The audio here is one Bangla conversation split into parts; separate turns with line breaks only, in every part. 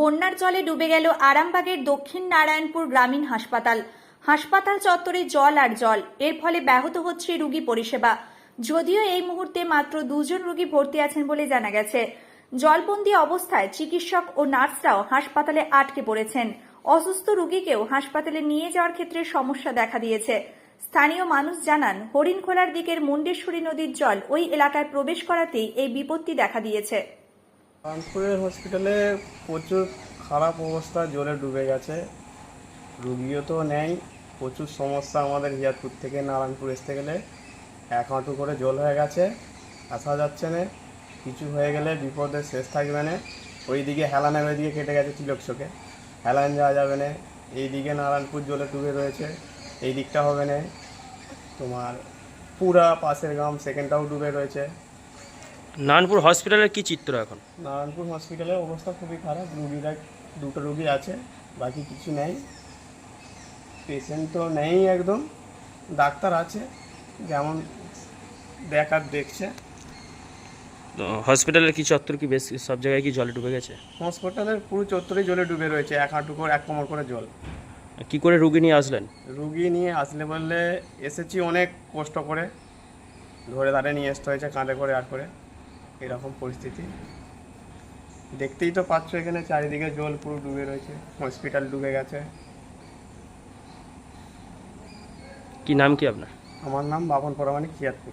বন্যার জলে ডুবে গেল আরামবাগের দক্ষিণ নারায়ণপুর গ্রামীণ হাসপাতাল। হাসপাতাল চত্বরে জল আর জল, এর ফলে ব্যাহত হচ্ছে রোগী পরিষেবা। যদিও এই মুহূর্তে মাত্র 2 জন রোগী ভর্তি আছেন বলে জানা গেছে। জলবন্দী অবস্থায় চিকিৎসক ও নার্সরাও হাসপাতালে আটকে পড়েছেন। অসুস্থ রোগীকেও হাসপাতালে নিয়ে যাওয়ার ক্ষেত্রে সমস্যা দেখা দিয়েছে। স্থানীয় মানুষ জানান, হরিণখোলার দিকের মুন্ডেশ্বরী নদীর জল ওই এলাকায় প্রবেশ করাতেই এই বিপত্তি দেখা দিয়েছে।
নারায়ণপুরের হসপিটালে প্রচুর খারাপ অবস্থা, জলে ডুবে গেছে, রুগীও তো নেই, প্রচুর সমস্যা। আমাদের হিয়ারপুর থেকে নারায়ণপুর আসতে গেলে 1 হাঁটু করে জল হয়ে গেছে, আসা যাচ্ছে না। কিছু হয়ে গেলে বিপদের শেষ থাকবে না। ওইদিকে হেলানের ওইদিকে কেটে গেছে তিলকচকে, হেলান যাওয়া যাবে না। এইদিকে নারায়ণপুর জলে ডুবে রয়েছে, এই দিকটা হবে না। তোমার পুরা পাশের গ্রাম সেকেন্ডটাও ডুবে রয়েছে।
নারায়ণপুর হসপিটালের কি চিত্র এখন?
নারায়ণপুর হসপিটালের অবস্থা খুবই খারাপ। রুগীরা 2টো রুগী আছে, বাকি কিছু নেই। পেশেন্ট তো নেই একদম, ডাক্তার আছে যেমন দেখার দেখছে।
হসপিটালের কি চত্বর কি বেশ সব জায়গায় কি জলে ডুবে গেছে?
হসপিটালের পুরো চত্বরেই জলে ডুবে রয়েছে, 1 হাঁটু করে 1 কোমর করে জল।
কি করে রুগী নিয়ে আসলেন?
রুগী নিয়ে আসলে বললে এসেছি অনেক কষ্ট করে, ধরে দাঁড়িয়ে নিয়ে আসতে হয়েছে, কাঁধে করে আর করে। এরকম পরিস্থিতি দেখতেই তো পাচ্ছ, এখানে চারিদিকে জল পুরো ডুবে রয়েছে, হসপিটাল ডুবে গেছে।
কি নাম কি আপনার?
আমার নাম বাপন পরামানিক, হিয়ারপুর।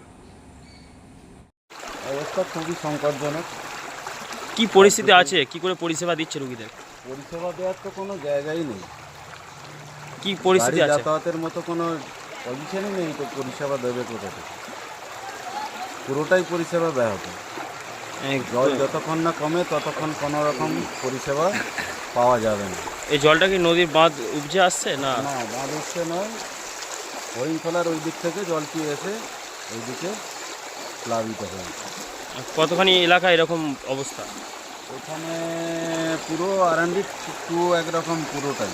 অবস্থা খুবই সংকটজনক।
কি পরিস্থিতি আছে, কি করে পরিষেবা দিচ্ছে রুগীদের?
পরিষেবা দেওয়ার তো কোনো জায়গাই নেই,
কি পরিস্থিতি
গাড়ি
আছে?
যাতায়াতের মতো কোনো পজিশনই নেই, তো পরিষেবা দেবে কোথা থেকে? পুরোটাই পরিষেবা ব্যাহত। জল যতক্ষণ না কমে ততক্ষণ কোনো রকম পরিষেবা পাওয়া যাবে না।
এই জলটা কি নদীর বাঁধ উপজে আসছে না?
না, বাঁধ উঠছে নয়, হরিণখোলার ওই দিক থেকে জলটি এসে ওইদিকে প্লাবিত হয়েছে।
কতখানি এলাকা এরকম অবস্থা?
ওখানে পুরো R&D টু একরকম পুরোটাই।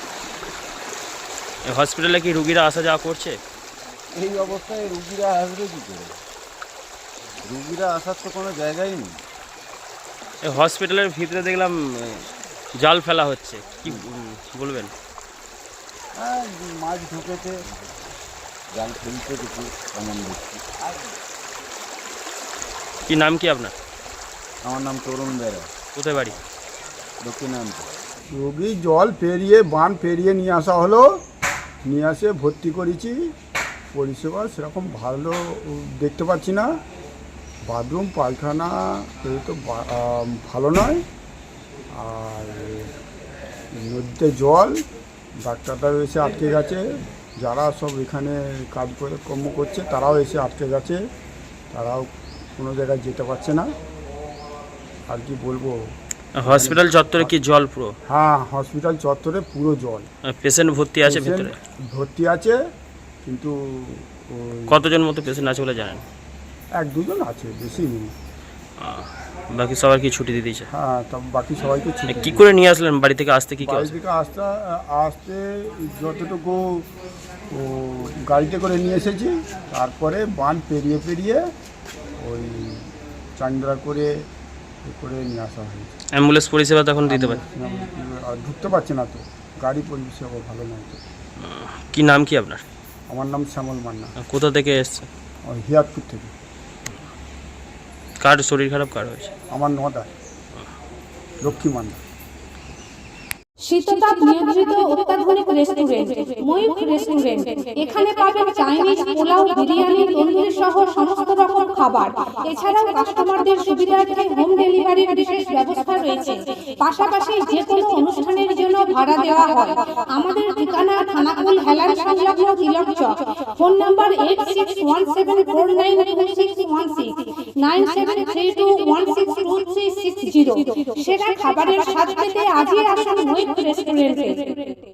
এই হসপিটালে কি রুগীরা আসা যাওয়া করছে?
এই অবস্থায় রুগীরা আসবে কী করে? রুগীরা আসার তো কোনো জায়গাই নেই।
এই হসপিটালের ভিতরে দেখলাম জাল ফেলা হচ্ছে, কি বলবেন?
হ্যাঁ, মাছ ঢুকেছে, জাল ফেলছে কিছু, এমন দেখছি।
কি নাম কি আপনার?
আমার নাম তরুণ বেরা,
কোথায় বাড়ি?
দক্ষিণাঞ্চল।
রোগী জল পেরিয়ে বান পেরিয়ে নিয়ে আসা হলো, নিয়ে আসে ভর্তি করেছি। পরিষেবা সেরকম ভালো দেখতে পাচ্ছি না। বাথরুম পায়খানা এই তো ভালো নয়। আর নদীতে জল, ডাক্তাররাও এসে আটকে গেছে, যারা সব এখানে কাজ করে কর্ম করছে তারাও এসে আটকে গেছে, তারাও কোনো জায়গায় যেতে পারছে না। আর কি বলবো,
হসপিটাল চত্বরে কি জল পুরো?
হ্যাঁ, হসপিটাল চত্বরে পুরো জল।
পেশেন্ট ভর্তি আছে
পেশেন্ট
ভিতরে?
ভর্তি আছে, কিন্তু
কতজন মতো পেশেন্ট আছে বলে জানেন?
1-2 জন আছে, বেশি নেই।
বাকি সবার কি ছুটি দিয়ে দিয়েছে?
হ্যাঁ, তা বাকি সবাইকে ছুটি
কি করে নিয়ে আসলেন বাড়ি থেকে আসতে? কি
বাড়ি থেকে আসতে আসতে যতটুকু গাড়িতে করে নিয়ে এসেছি, তারপরে বান পেরিয়ে পেরিয়ে ওই চান্দ্রা করে নিয়ে আসা হয়েছে।
অ্যাম্বুলেন্স পরিষেবা তখন দিতে পারে?
আর ঢুকতে পারছে না তো, গাড়ি পরিষেবা ভালো নয় তো।
কি নাম কি আপনার?
আমার নাম শ্যামল মান্না,
কোথা থেকে এসছে?
ওই হিয়ারপুর থেকে।
কার শরীর খারাপ, কার হয়েছে?
আমার নদায় লক্ষ্মী মান্না।
শীততাপ নিয়ন্ত্রিত অত্যাধুনিক রেস্টুরেন্ট ময়ূখ রেস্টুরেন্ট। এখানে পাবেন চাইনিজ, পোলাও, বিরিয়ানি, তন্দুরি সহ সমস্ত রকম খাবার। এছাড়াও কাস্টমারদের সুবিধার্থে হোম ডেলিভারির বিশেষ ব্যবস্থা রয়েছে। পাশাপাশি যে কোনো অনুষ্ঠানের জন্য ভাড়া দেওয়া হয়। আমাদের ঠিকানা থানাকুল হেলান সংলগ্ন তিলক চক। Phone number 8617492616 9732162360। সেরা খাবারের স্বাদ পেতে আজই আসুন ময়ূখ রেস্টুরেন্টে।